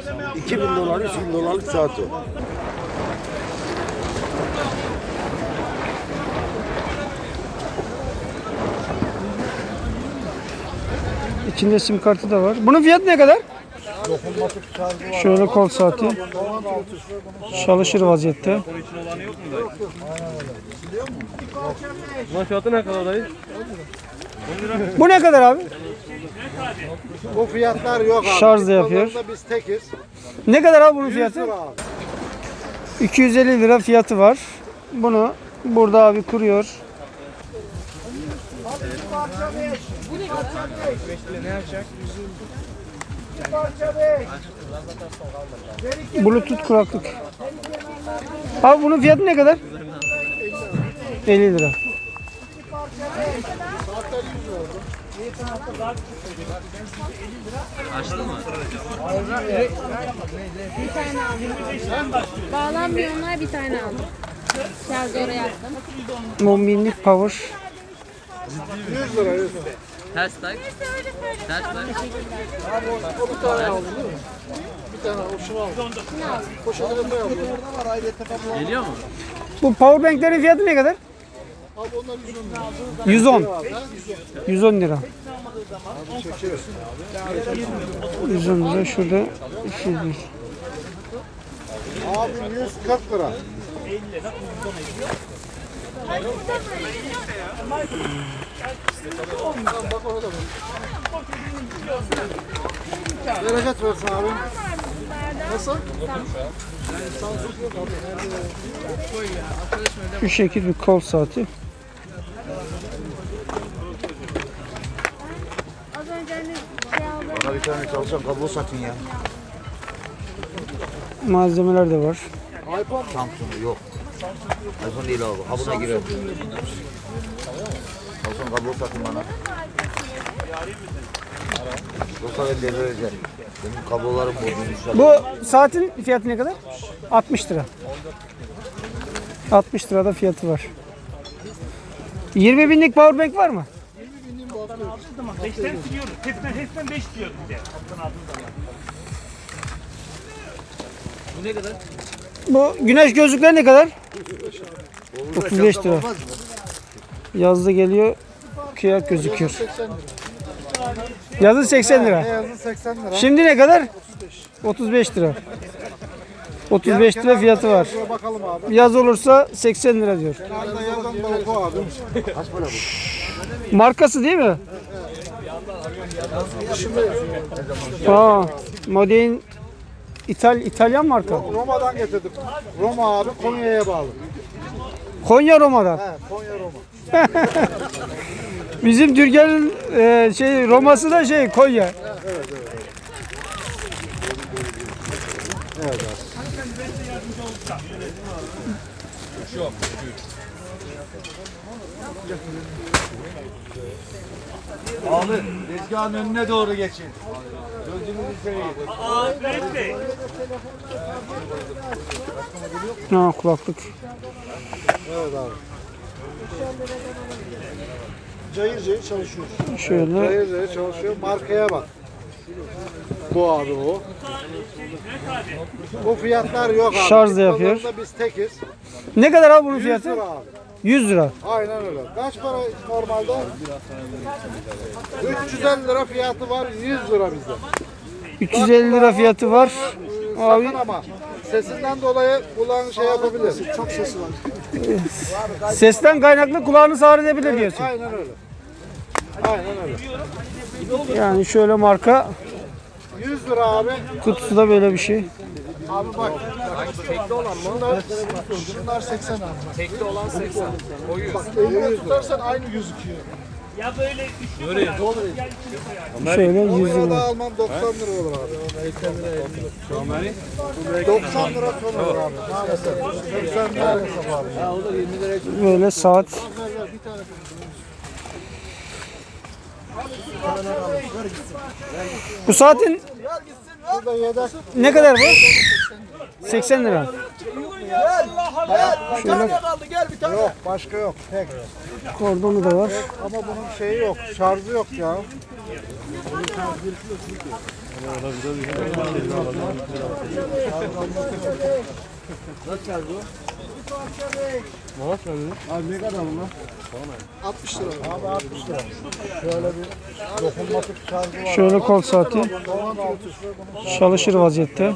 $2000, $3000 saat o. İçinde sim kartı da var. Bunun fiyatı ne kadar? Şöyle kol saati. Çalışır vaziyette. Bunun fiyatı ne kadar dayı? Bu ne kadar abi? Bu fiyatlar yok abi. Şarj da yapıyor. Biz tekiz. Ne kadar abi bunun fiyatı? 100 lira abi. 250 lira fiyatı var. Bunu burada abi kuruyor. Bluetooth kulaklık. Abi bunun fiyatı ne kadar? 50 lira. Bir tane aldım. Bağlanmıyor onlar, bir tane aldım. Şarjı oraya attım. 10 binlik power. 100 lira 100 lira. Ters tak. Ters tak. O bir tane aldı değil mi? Bir tane o şunu aldı. Poşete koyalım. Geliyor mu? Bu powerbanklerin fiyatı ne kadar? Abi onlar 110 lira. 110. 110 lira. 110 lira şurada 200 lira. Abi 140 lira. Bak orada mı? Bereket versin abi. Nasıl? Şu şekil bir kol saati. Az önce hani şey aldım. Bana bir tane çalışan kablo satın ya. Malzemeler de var. Samsung yok. iPhone değil abi. Ha buna girer. Samsung kablo satın bana. Yoksa ben de vereceğim. Benim kablolarım bozulmuş. Bu saatin fiyatı ne kadar? 60 lira. 60 lirada fiyatı var. 20 binlik powerbank var mı? 5'ten siliyoruz. Hepsinden 5 diyoruz bir de. Bu ne kadar? Bu güneş gözlükleri ne kadar? 35 lira. Yazda geliyor. Kıyak gözüküyor. Yazın 80 lira. Beyazı 80 lira. Şimdi ne kadar? 35 lira. 35 lira fiyatı var. Şuraya bakalım abi. Yaz olursa 80 lira diyor. Kenarda yazan da oku abi. Kaç para bu? Markası değil mi? Aa, Modern İtalyan marka. Roma'dan getirdik. Roma abi Konya'ya bağlı. Konya Roma'dan. He, Konya Roma. Bizim Türkiye'nin Roma'sı da Konya. Abi tezgahın önüne doğru geçin. Gözünüzü seveyim. Ha, kulaklık. Evet abi. Cayır cayır çalışıyor. Şöyle. Cayır cayır çalışıyor. Markaya bak. Bu abi o. Bu fiyatlar yok abi. Şarj da yapıyor. Pazarda biz tekiz. Ne kadar abi bunun 100 fiyatı? lira abi. 100 lira. Aynen öyle. Kaç para normalde? 350 lira fiyatı var. 100 lira bizde. 350 lira fiyatı var. Abi Sakın ama sesinden dolayı kulağın şey yapabilir. Çok sesi var. sesten kaynaklı kulağınız ağrıyabilir diyorsun. Aynen öyle. Aynen öyle. Yani şöyle marka 100 lira abi. kutusu da böyle bir şey. Abi bak. Tekli olan mı? Şunlar 80 abi. Tekli olan 80. O 100. Bak elini tutarsan aynı gözüküyor. Ya böyle üçlü Şöyle 100 Konya'da lira. almam 90 lira olur abi. 90 lira son olur abi. Maalesef. 80 lira hesap abi. Böyle saat. Bu saatin Burada yedek. ne kadar bu? 80 lira. Şöyle Yok başka yok. Tek. kordonu da var. Ama bunun şeyi yok. Şarjı yok ya. Maaş verdi. Abi ne kadar bunlar? 60 lira. Abi 60 lira. Şöyle bir dokunmatik şarjı var. Şöyle kol saati. Çalışır vaziyette.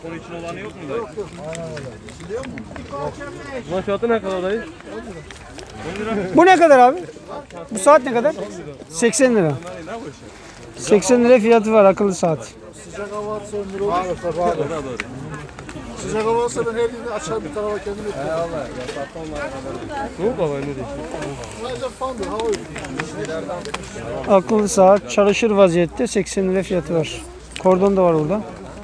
Bunun fiyatı ne kadar dayı? Bu ne kadar abi? Bu saat ne kadar? 80 lira. 80 lira fiyatı var akıllı saat. Sıcak hava atsa 10 lira olur. Sıcak hava atsa ben her yerde açar bir tarafa kendimi etmem. Ne oldu baba ne diyorsun? Sadece fandır, hava yok. Akıllı saat çalışır vaziyette 80 lira fiyatı var. Kordon da var burada.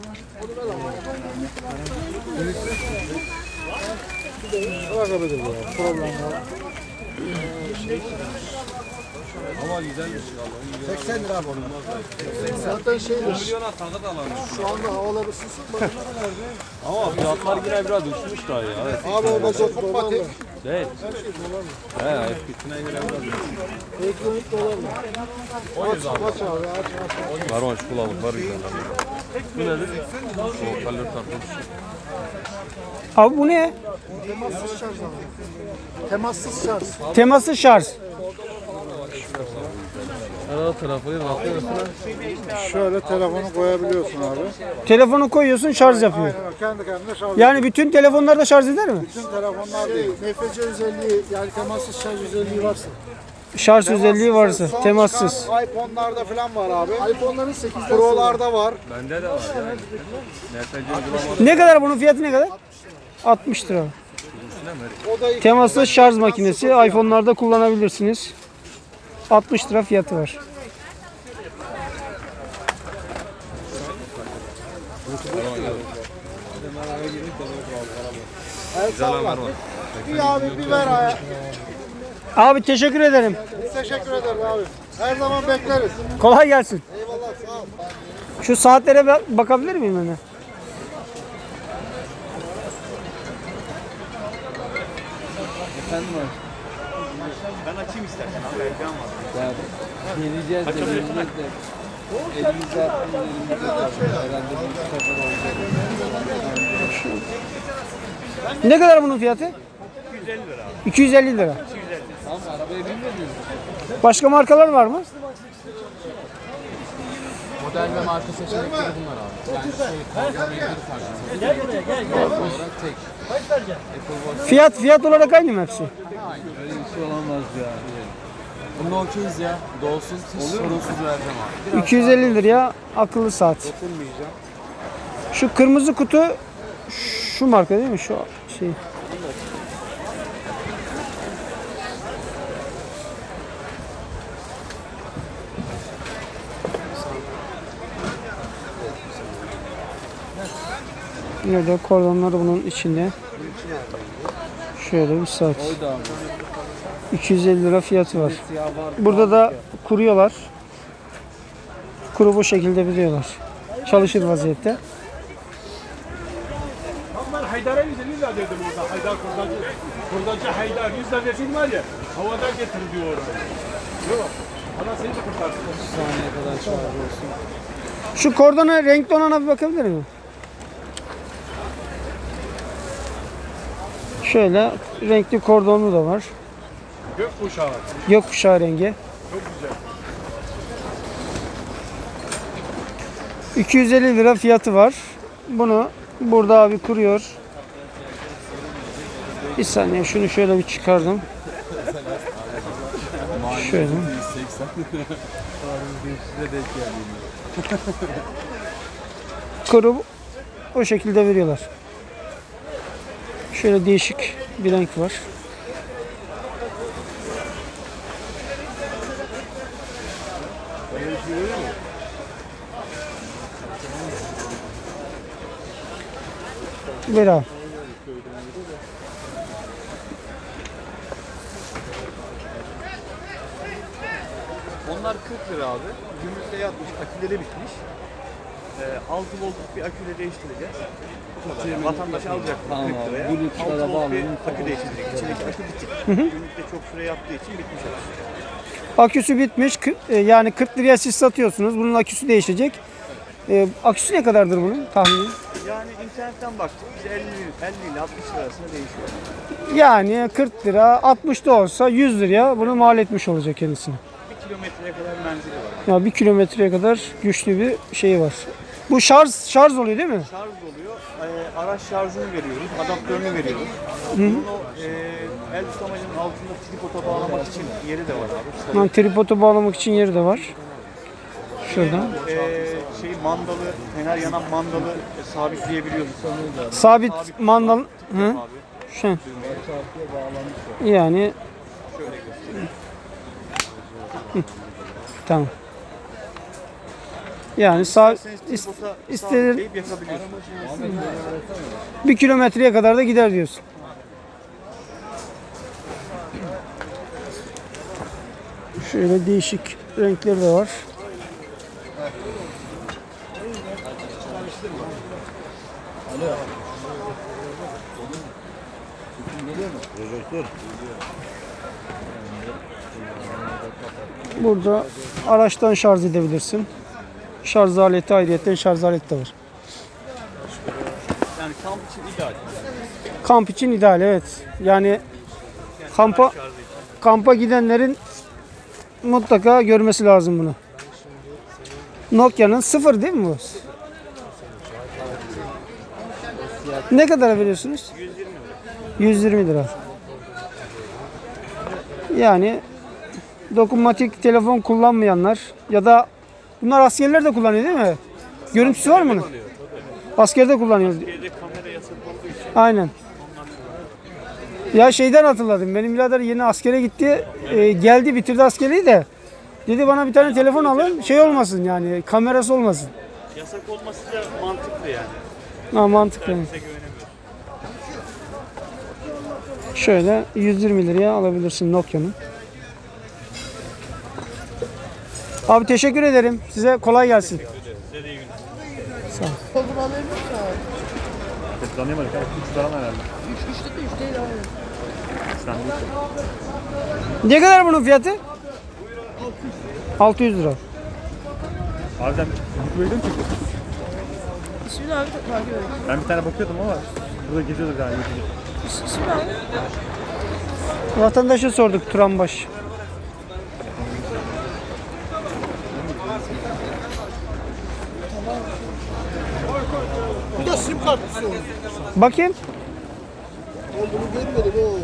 Bırakabilir bu ya. Problem yok. Ama güzelmiş vallahi. 80 lira bu. Zaten şeydir. Şu anda havalar ısınsın. Bak Ama fiyatlar yine biraz düşmüş daha ya. Evet. abi o bacak dolarla. Değil. Her şey dolarla. He eskisine göre biraz düşmüş. Elektronik dolarla. Aç abi aç. Var o çikolatalık var güzel. Bu nedir? O kalori tartılmış. Abi bu ne? Temassız şarj abi. Temassız şarj. Teması şarj. Herhalde telefonu bakıyorsun. Şöyle telefonu koyabiliyorsun abi. Telefonu koyuyorsun şarj yapıyor. Kendi kendine şarj. Yani bütün telefonlarda şarj eder mi? Bütün telefonlar değil. NFC özelliği yani temassız şarj özelliği varsa. Şarj özelliği varsa temassız. iPhone'larda falan var abi. iPhone'ların 8'den Pro'larda var. Bende de var yani. NFC uygulama. Ne kadar bunun fiyatı ne kadar? 60 lira. O da Temaslı şarj makinesi iPhone'larda kullanabilirsiniz. 60 lira fiyatı var. bir abi bir ver abi. Abi teşekkür ederim. Biz teşekkür ederiz abi. Her zaman bekleriz. Kolay gelsin. Eyvallah sağ ol. Şu saatlere bakabilir miyim ben de? Yeneceğiz de yeneceğiz de. Elimizde attığımız elimizde kaldı. Herhalde bir sefer olacak. Ne kadar bunun fiyatı? 250 lira. Tamam arabaya binmediniz. Başka markalar var mı? Model ve marka seçenekleri bunlar abi. Yani olarak tek. Fiyat olarak aynı mı hepsi? Öyle bir şey olamaz ya. Bunda okeyiz ya. Dolsun sorunsuz vereceğim abi. 250 liraya akıllı saat. Şu kırmızı kutu şu marka değil mi? Şu şey. Yine de kordonları bunun içinde. Şöyle bir saat. 250 lira fiyatı var. Burada da kuruyorlar. Kuru bu şekilde biliyorlar. Çalışır vaziyette. Ben Haydar'a 150 lira dedim orada. Haydar kurdacı. Kurdacı Haydar 100 lira desin var ya. Havadan getir diyor orada. Yok. Bana seni de kurtarsın. Saniye kadar şarj olsun. Şu kordona renkli olana bir bakabilir miyim? Şöyle renkli kordonlu da var. Gökkuşağı. Gökkuşağı rengi. Çok güzel. 250 lira fiyatı var. Bunu burada abi kuruyor. Bir saniye şunu şöyle bir çıkardım. Şöyle. Kuru o şekilde veriyorlar. Şöyle değişik bir renk var. Ver abi. Onlar 40 lira abi. Gümrükte yatmış, aküleri bitmiş. 6 voltluk bir aküyle değiştireceğiz. Bu kadar. Yani vatandaş alacak 40 liraya. 6 volt bir akü değiştirecek. İçindeki akü bitik. Gümrükte çok süre yaptığı için bitmiş akü. Aküsü bitmiş. Yani 40 liraya siz satıyorsunuz. Bunun aküsü değişecek. Aküsü ne kadardır bunun tahmini? Yani internetten baktık. Biz 50 ile 60 lira arasında değişiyor. Yani 40 lira 60 da olsa 100 liraya bunu mal etmiş olacak kendisine. 1 kilometreye kadar menzili var. Ya 1 kilometreye kadar güçlü bir şey var. Bu şarj oluyor değil mi? Şarj oluyor. Araç şarjını veriyoruz. Adaptörünü veriyoruz. Bunun o el tutamacının altında tripoda bağlamak için yeri de var abi. Yani tripoda bağlamak için yeri de var. Şuradan. Mandalı, fener yanan mandalı sabitleyebiliyoruz. Sabit mandal. Hı? Abi. Şu. Yani Hı. Tamam. Yani istediğin Sabitleyip yakabiliyorsunuz. 1 kilometreye kadar da gider diyorsun. Şöyle değişik renkleri de var. Burada araçtan şarj edebilirsin. Şarj aleti ayrıyeten şarj aleti de var. Yani kamp için ideal. Kamp için ideal, evet. Yani kampa gidenlerin mutlaka görmesi lazım bunu. Nokia'nın 0 değil mi bu? Ne kadara veriyorsunuz? 120 lira. Yani dokunmatik telefon kullanmayanlar ya da bunlar askerler de kullanıyor değil mi? Görüntüsü var mı bunun? Askerde kullanıyor. Aynen. Ya şeyden hatırladım. Benim birader yeni askere gitti. Geldi bitirdi askeriyi de. Dedi bana bir tane telefon alın. Şey olmasın yani kamerası olmasın. Yasak olması da mantıklı yani. Ha, mantıklı. Bize güvenemiyoruz. Şöyle 120 liraya alabilirsin Nokia'nın. Abi teşekkür ederim. Size kolay gelsin. Size de iyi günler. Sağ ol. Tanıyamadık. 3 lira herhalde. Ne kadar bunun fiyatı? 600 lira. Abi sen YouTube'a çıktın? İsmini abi takip ediyorum. Ben bir tane bakıyordum ama burada geziyorduk yani. İsmini abi. Vatandaşa sorduk Turanbaş. Bu da sim kartlısı oldu. Bakayım. Ben bunu görmedim o.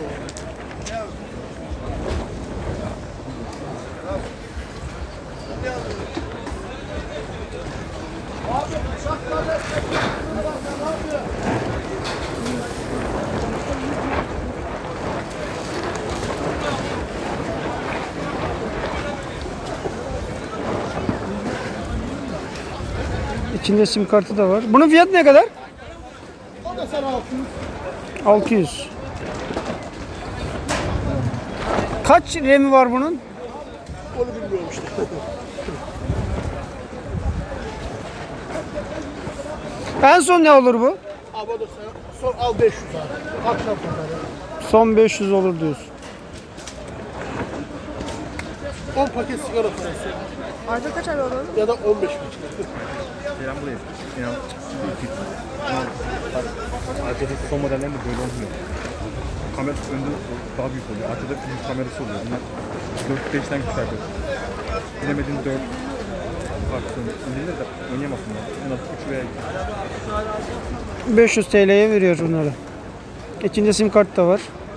İçinde sim kartı da var. Bunun fiyatı ne kadar? O da sana 600. 600. Kaç RAM'i var bunun? Onu bilmiyorum işte. En son ne olur bu? Ama da sana son al 500 abi. Akşam kadar. Son 500 olur diyorsun. 10 paket sigara parası. Ayda kaç ay alalım? Ya da 15 paket. Selam buraya. İnan. Arkadaki son modellerinde böyle olmuyor. Kamera önde daha büyük oluyor. Arkada büyük kamerası oluyor. Bunlar 4-5'ten küçük. Bilemediğin 4 farklı. İndirir de oynayamazsın. En az 3 veya 2. 500 TL'ye veriyor bunları. İçinde sim kart da var.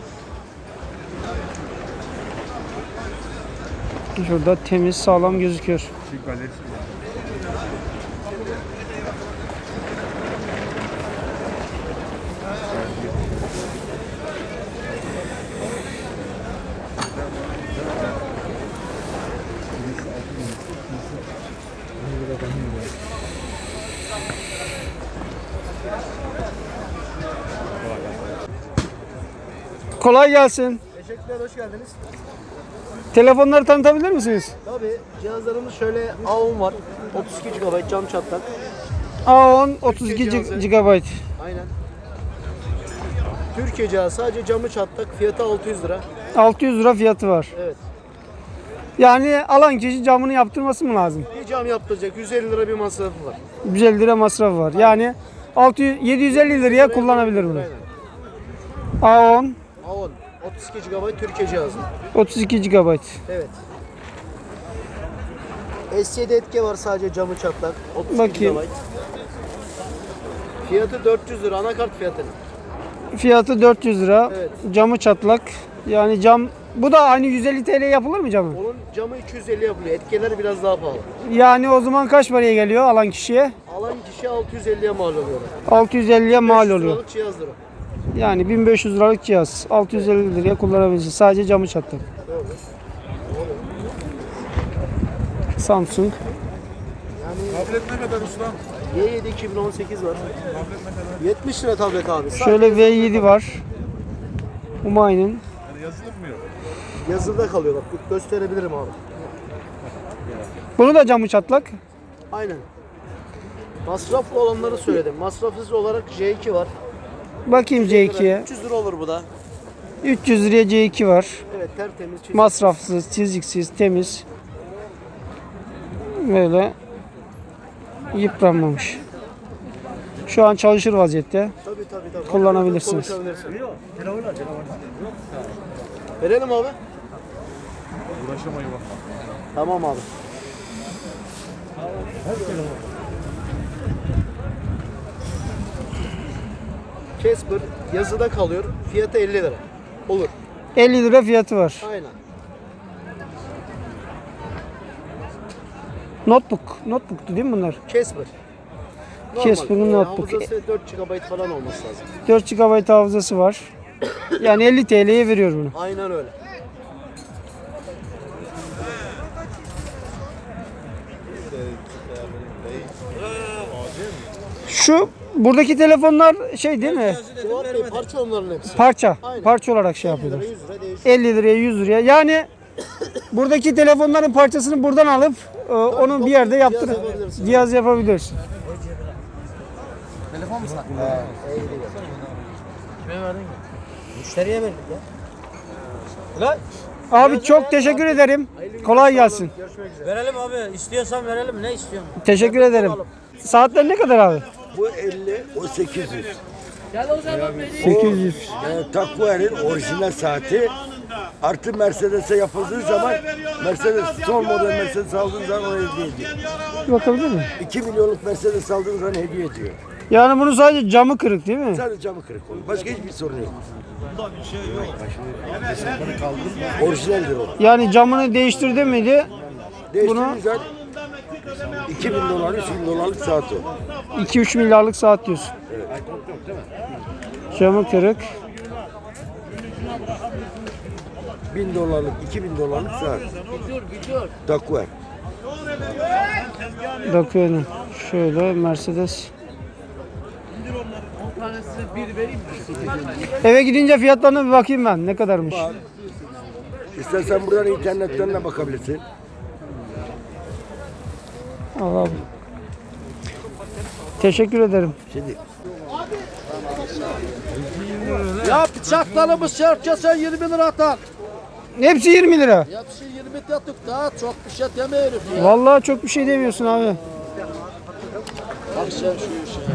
Şurada temiz, sağlam gözüküyor. Büyük galerisi var. Kolay gelsin. Teşekkürler, hoş geldiniz. Telefonları tanıtabilir misiniz? Tabii cihazlarımız şöyle A10 var. 32 GB cam çatlak. A10 32 GB. Aynen. Türkiye cihazı sadece camı çatlak. Fiyatı 600 lira. 600 lira fiyatı var. Evet. Yani alan kişi camını yaptırması mı lazım? Bir cam yaptıracak. 150 lira bir masrafı var. 150 lira masrafı var. Yani 750 liraya kullanabilir bunu. A10 A10 32 GB Türkiye cihazı. 32 GB. Evet. S7 etki var, sadece camı çatlak. 32 Bakayım. GB. Fiyatı 400 lira, anakart fiyatı. Fiyatı 400 lira. Evet. Camı çatlak. Yani cam bu da aynı 150 TL yapılır mı camı? Onun camı 250 yapılıyor. Etkileri biraz daha pahalı. Yani o zaman kaç paraya geliyor alan kişiye? Alan kişi 650'ye mal oluyor. 650'ye mal 500 oluyor. liralık cihazdır o. Yani 1500 liralık cihaz. 650 liraya kullanabilirsin. Sadece camı çatlak. Samsung. Tablet ne kadar usta? Y7 2018 var. 70 lira tablet abi. Şöyle V7 var. Humayun'un. Yani yazılım mı yok? Yazıda kalıyor bak. Gösterebilirim abi. Bunu da camı çatlak. Aynen. Masraflı olanları söyledim. Masrafsız olarak J2 var. Bakayım C2'ye. 300 lira olur bu da. 300 liraya C2 var. Evet, tertemiz. çizik. Masrafsız, çiziksiz, temiz. Böyle yıpranmamış. Şu an çalışır vaziyette. Tabii. Kullanabilirsiniz. Konuşabilirsin. Verelim abi. Uğraşamayı bak. Tamam abi. Casper yazıda kalıyor. Fiyatı 50 lira. Olur. 50 lira fiyatı var. Aynen. Notebook'tu değil mi bunlar? Casper. Casper'ın notebook. Hafızası 4 GB falan olması lazım. 4 GB hafızası var. Yani 50 TL'ye veriyor bunu. Aynen öyle. Şu buradaki telefonlar şey değil mi? Fuat Bey, parça onların hepsi. Parça. Aynen. Parça olarak şey 50 yapıyorlar. lira 100 lira değişiyor. 50 liraya 100 liraya. Yani buradaki telefonların parçasını buradan alıp onun bir yerde yaptırıp yapabilirsin. cihaz yapabilirsin. Müşteriye verdik ya. Abi çok teşekkür ederim. Kolay gelsin. Verelim abi. İstiyorsan verelim. Ne istiyorsun? Teşekkür ederim. Saatler ne kadar abi? Bu 50, o 800. 800. Takvuer'in orijinal saati artı Mercedes'e yapıldığı zaman Mercedes son model Mercedes aldığın zaman ona hediye ediyor. Bakabilir miyim? 2 milyonluk Mercedes aldığın zaman hediye ediyor. Yani bunun sadece camı kırık değil mi? Sadece camı kırık olur. Başka hiçbir sorun yok. Orijinaldir o. Yani camını değiştirdi miydi? Değiştirdiğin zaman 2000 dolar, 3000 dolarlık saat o. 2-3 milyarlık saat diyorsun. Camı kırık. 1000 dolarlık, 2000 dolarlık saat. Takvuer. Bakıyorum. Şöyle Mercedes. Eve gidince fiyatlarına bir bakayım ben. Ne kadarmış? İstersen buradan internetten de bakabilirsin. Allah abi. Teşekkür ederim. Şimdi Ya bıçaklarımız herkese 20 lira atar. Hepsi 20 lira. Hepsi 20 yatık, daha çok bir şey deme herif ya. Vallahi çok bir şey demiyorsun abi. Bak sen şu işe.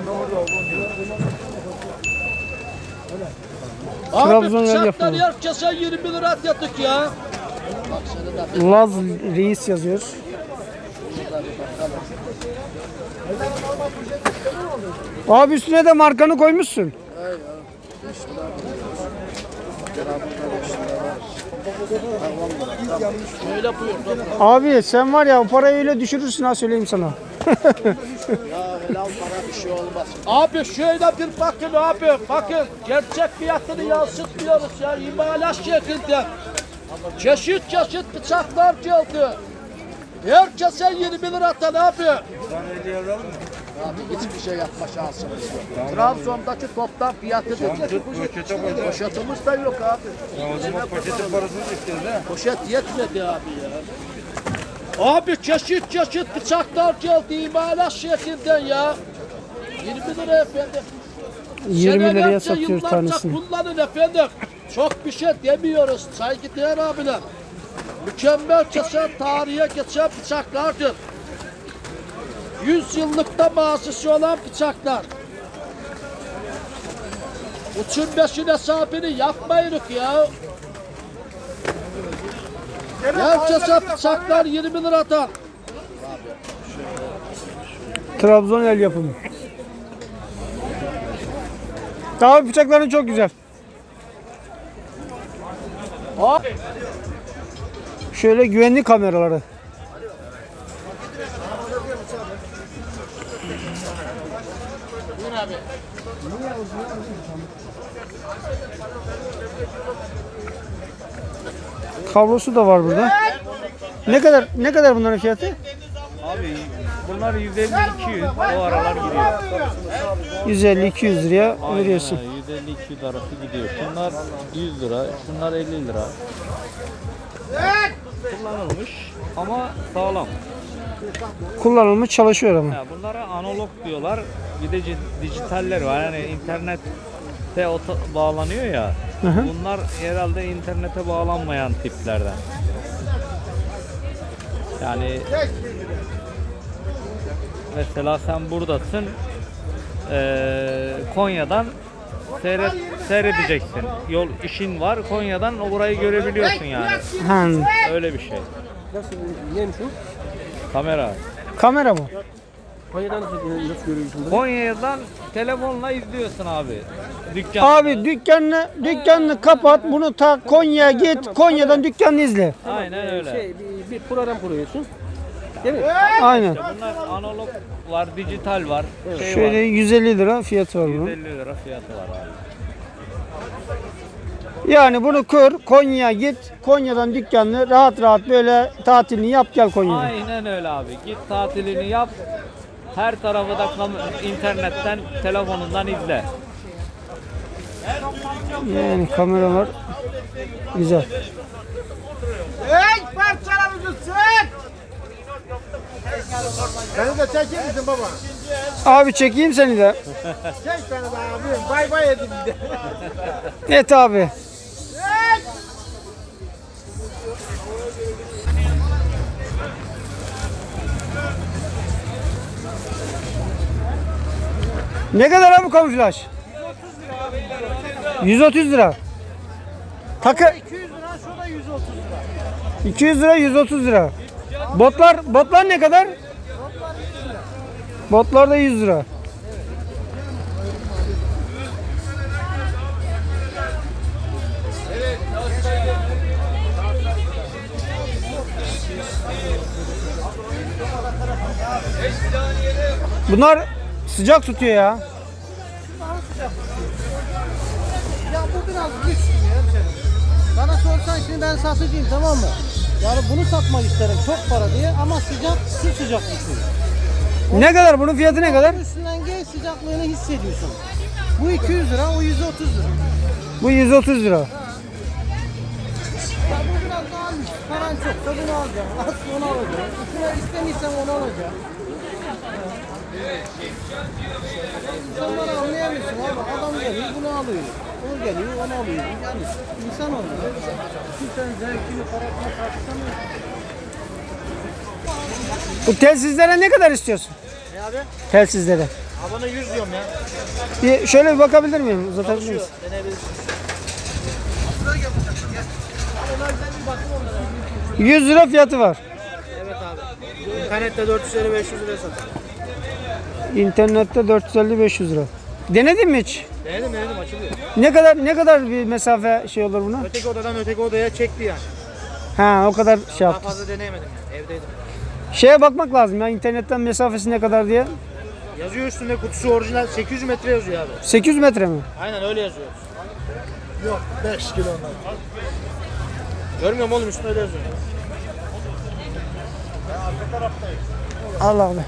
Trabzon Abi yer bıçaklar yapımı. herkese 20 lira yatık ya. Bak seni de Laz Reis yazıyor. Abi üstüne de markanı koymuşsun. şöyle buyur. Abi sen var ya o parayı öyle düşürürsün ha söyleyeyim sana. Ya helal para bir şey olmaz. Abi şöyle bir bakın abi. Bakın gerçek fiyatını yansıtmıyoruz ya. İmalat şeklinde. Çeşit çeşit bıçaklar geldi. Herkese 20 lira atan abi. Abi hiçbir şey yapma şansımız yok. Trabzon'daki toptan fiyatı poşetimiz de yok abi. O zaman paketin parasını istedin ha? Poşet yetmedi abi ya. Abi çeşit çeşit bıçaklar geldi imalat şeklinden ya. 20 lira efendim. 20 liraya Senelerce, satıyor yıllarca tanesini. kullanın efendim. Çok bir şey demiyoruz saygıdeğer abiler. Mükemmel kesen, tarihe geçen bıçaklardır. 100 yıllıkta mazisi olan bıçaklar. Uçun beşin hesabını yapmayırık ya. Gerçekten bıçaklar 20 liradan. Trabzon el yapımı. Abi bıçakların çok güzel. Şöyle güvenlik kameraları. Kablosu da var burada. Ne kadar bunların fiyatı? Abi bunlar 150-200 o aralar gidiyor. 150-200 liraya veriyorsun. 150-200 arası gidiyor. Şunlar 100 lira, şunlar 50 lira. Kullanılmış ama sağlam. Kullanılmış çalışıyor ama. Ya bunlara analog diyorlar. Bir de dijitaller var. Yani internette bağlanıyor ya. Hı hı. Bunlar herhalde internete bağlanmayan tiplerden. Yani mesela sen buradasın, Konya'dan seyredeceksin. Yol işin var, Konya'dan orayı görebiliyorsun yani. Ha, Öyle bir şey. Nasıl, neymiş o? Kamera. kamera mı? Konya'dan nasıl görüyorsun bunu? Konya'dan telefonla izliyorsun abi. Dükkan. Abi dükkanını kapat, bunu tak, Konya'ya git, Konya'dan dükkanını izle. Aynen öyle. Bir program kuruyorsun. Değil mi? Aynen. İşte bunlar analog var, dijital var, şey Şöyle var. 150 lira fiyatı var bunun. 150 lira fiyatı var abi. Yani bunu kur, Konya'ya git, Konya'dan dükkanını rahat rahat böyle tatilini yap gel Konya'ya. Aynen öyle abi. Git tatilini yap. Her tarafı da internetten, telefonundan izle. Yani kameralar güzel. Hey parçalarımızı çek! Beni de çeker misin baba? Abi çekeyim seni de. Çek beni de abi. Bay bay edin de. Et abi. Ne kadar abi kamuflaj? 130 lira. Takı 200 lira, şu da 130 lira. 200 lira, 130 lira. Botlar ne kadar? Botlar da 100 lira. Bunlar sıcak tutuyor ya. Ya bu biraz lüks ya hemşerim. Bana sorsan şimdi ben satıcıyım, tamam mı? Yani bunu satmak isterim çok para diye ama sıcak, su sıcak tutuyor. Ne kadar bunun fiyatı ne kadar? Üstünden gel sıcaklığını hissediyorsun. Bu 200 lira, o 130 lira. Bu 130 lira. Ya bu biraz daha lüks. Paran çok, tadını alacaksın. Az onu alacaksın. Üstüne istemiysen onu alacaksın. İnsanları anlayamıyorsun abi. Adam geliyor, bunu alıyor. O geliyor, onu alıyor. Yani insan oluyor. Kimsenin zevkini, parasını tartışamıyorsun. Bu telsizlere ne kadar istiyorsun? Ne abi? Telsizlere. Abana 100 diyorum ya. Bir şöyle bir bakabilir miyim? Uzatabilir misin? Deneyebilirsin. 100 lira fiyatı var. Evet abi. İnternette 450-500 liraya satıyor. İnternette 450-500 lira. Denedin mi hiç? Denedim açılıyor. Ne kadar bir mesafe şey olur buna? Öteki odadan öteki odaya çekti yani. Ha, o kadar şey Daha yaptı. fazla deneyemedim yani. Evdeydim. Şeye bakmak lazım ya, internetten mesafesi ne kadar diye. Yazıyor üstünde, kutusu orijinal 800 metre yazıyor abi. 800 metre mi? Aynen öyle yazıyor. Yok 5 kilo ondan. Görmüyorum oğlum, üstünde öyle yazıyor. Allah Allah.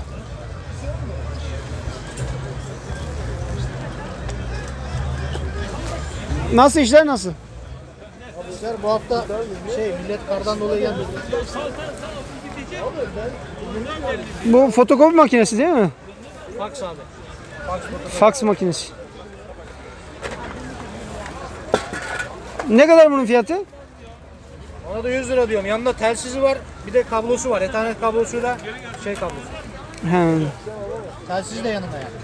Nasıl işler nasıl? İşler bu hafta millet kardan dolayı gelmedi. Bu fotokopi makinesi değil mi? Fax abi. Fax makinesi. Ne kadar bunun fiyatı? Ona da 100 lira diyorum. Yanında telsizi var, bir de kablosu var. Ethernet kablosuyla kablosu. He. Telsiz de yanında yani.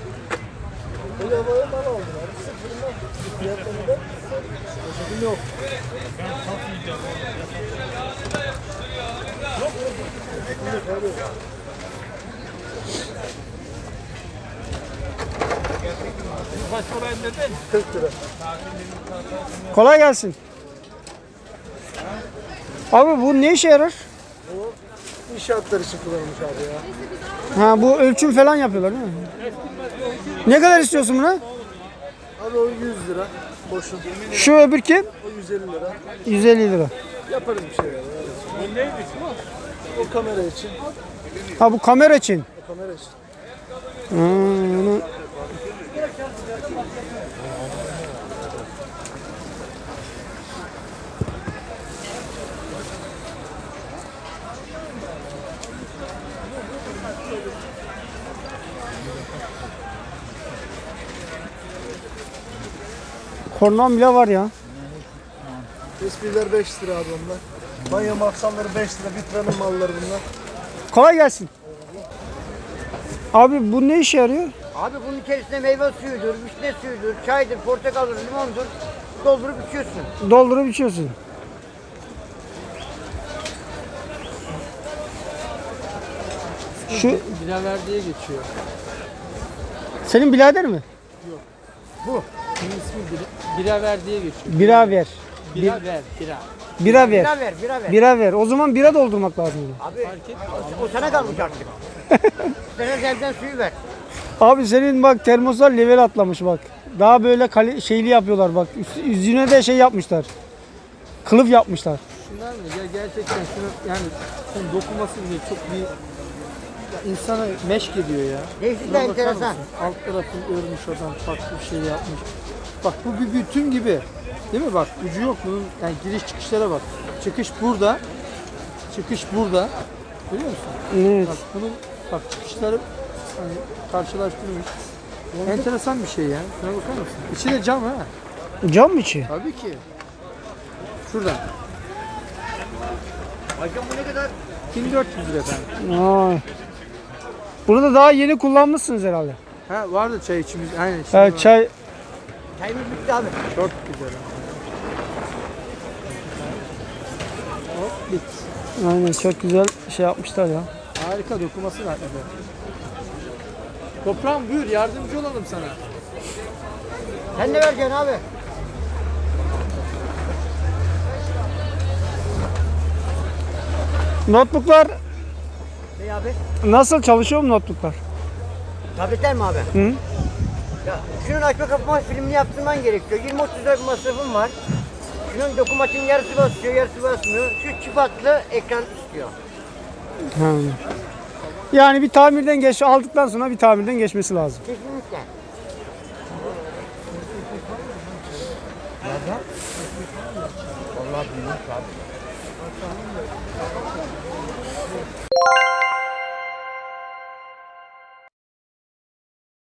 Kolay gelsin. Abi bu ne işe yarar? İnşaatlar için kullanılmış abi ya. Ha bu ölçüm falan yapıyorlar değil mi? Ne kadar istiyorsun buna? Abi o 100 lira. Boşun. Şu öbür kim? O 150 lira. 150 lira. Yaparız bir şey yani. Bu neydi o? O kamera için. Ha bu kamera için. O kamera için. Hmm. Kornam bile var ya. Espriler 5 lira abi onlar. Banyo maksamları 5 lira. Vitranın malları bunlar. Kolay gelsin. Abi bu ne işe yarıyor? Abi bunun içerisinde meyve suyudur, vişne suyudur, çaydır, portakaldır, limondur. Doldurup içiyorsun. Doldurup içiyorsun. Şu Bilaver diye geçiyor. senin birader mi? Bunun ismi Bilaver diye geçiyor. Bira ver. Bira ver, bira. Bira ver. Bira ver, bira ver. Bira ver. O zaman bira doldurmak lazım. Abi o sana kalmış artık. Sana elden suyu ver. Abi senin bak termoslar level atlamış bak. Daha böyle şeyli yapıyorlar bak. Yüzüne de şey yapmışlar. Kılıf yapmışlar. Şunlar mı? Ya gerçekten şunu yani şunun dokunması bile çok bir ya insana meşk ediyor ya. Değişik de Şuna bakar enteresan. mısın? Alt tarafını örmüş adam, farklı bir şey yapmış. Bak bu bir bütün gibi. Değil mi bak? Ucu yok bunun. Yani giriş çıkışlara bak. Çıkış burada. Çıkış burada. Görüyor musun? Evet. Bak bunun bak çıkışları hani karşılaştırmış. Enteresan bir şey ya. Şuna bakar mısın? İçi de cam ha. Cam mı içi? Tabii ki. Şuradan. Hocam bu ne kadar? 1400 lira efendim. Vay. Bunu da daha yeni kullanmışsınız herhalde. Ha vardı çay içimiz. Aynen. şimdi Evet, var. çay Çayımız bitti abi. Çok güzel. Hop bit. aynen çok güzel şey yapmışlar ya. Harika dokuması var. Toprağım buyur yardımcı olalım sana. Sen ne vereceksin abi? Notebooklar Ne abi? nasıl çalışıyor mu notebooklar? Tabletler mi abi? Hı? Ya şunun açma kapama filmini yaptırman gerekiyor. 20-30 lira bir masrafım var. Şunun dokunmatik yarısı basıyor, yarısı basmıyor. Şu çift hatlı ekran istiyor. Ha. Yani bir tamirden aldıktan sonra bir tamirden geçmesi lazım. Kesinlikle. Vallahi bilmiyorum abi.